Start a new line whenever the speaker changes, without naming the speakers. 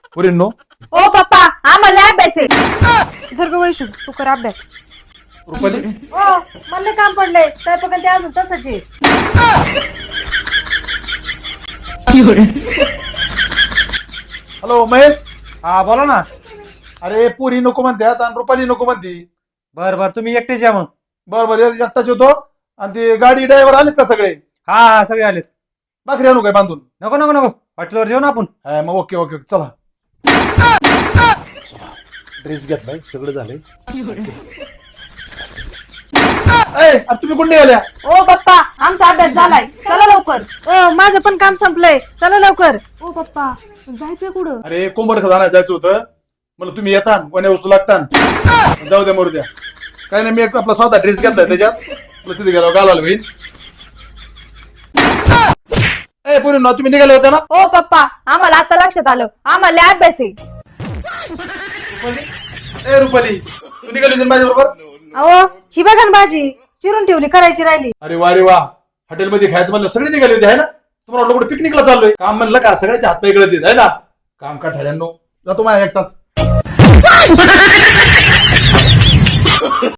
पुरींनो
ओ पप्पा आम्हाला अभ्यास आहे. धर ग वैशू तू कर अभ्यास.
रुपाली
हो मला काम पडलंय स्वयंपाक ते अजून तसंच आहे.
हॅलो महेश.
हा बोला ना.
अरे पुरी नको म्हणतात आणि रुपाली नको म्हणती.
बर बर तुम्ही एकटेच या मग.
बरोबर एकटाच होतो. आणि ते गाडी ड्रायव्हर आलेत का सगळे?
हा हा सगळे आलेत.
भाकरी आणू काय बांधून?
नको नको नको हॉटेलवर जेवू ना आपण.
हा, मग ओके ओके चला. ड्रेस घेतलाय सगळं झालंय. तुम्ही कुठे निघाल्या?
ओ पप्पा आमचा अभ्यास झालाय चला लवकर.
ओ माझं पण काम संपलंय चला लवकर.
ओ पप्पा जायचंय कुठं?
अरे कोंबड खजाना जायचं होतं. मला तुम्ही येता कोण्या वस्तू लागतात जाऊ द्या मरू द्या. काय नाही मी एक आपला साधा ड्रेस घेतलाय त्याच्यात तुला तिथे गेलो घालायला होईल. ए पुरी ना तुम्ही निघाले होते ना?
ओ पप्पा आम्हाला आता लक्षात आलं आम्हाला अभ्यास आहे.
ए रुपाली तू निघाली होती माझ्या बरोबर?
अहो ही बघा ना भाजी चिरून ठेवली करायची राहिली.
अरे वा रे वा हॉटेलमध्ये खायचं म्हणलं सगळे निघाले होते आहे ना? तुम्हाला वाटलं कुठे पिकनिकला चाललोय? काम म्हणलं का सगळ्याचे हात पाय गळत आहे ना? काम का ठड्यांनो जातो माझ्या एकटाच.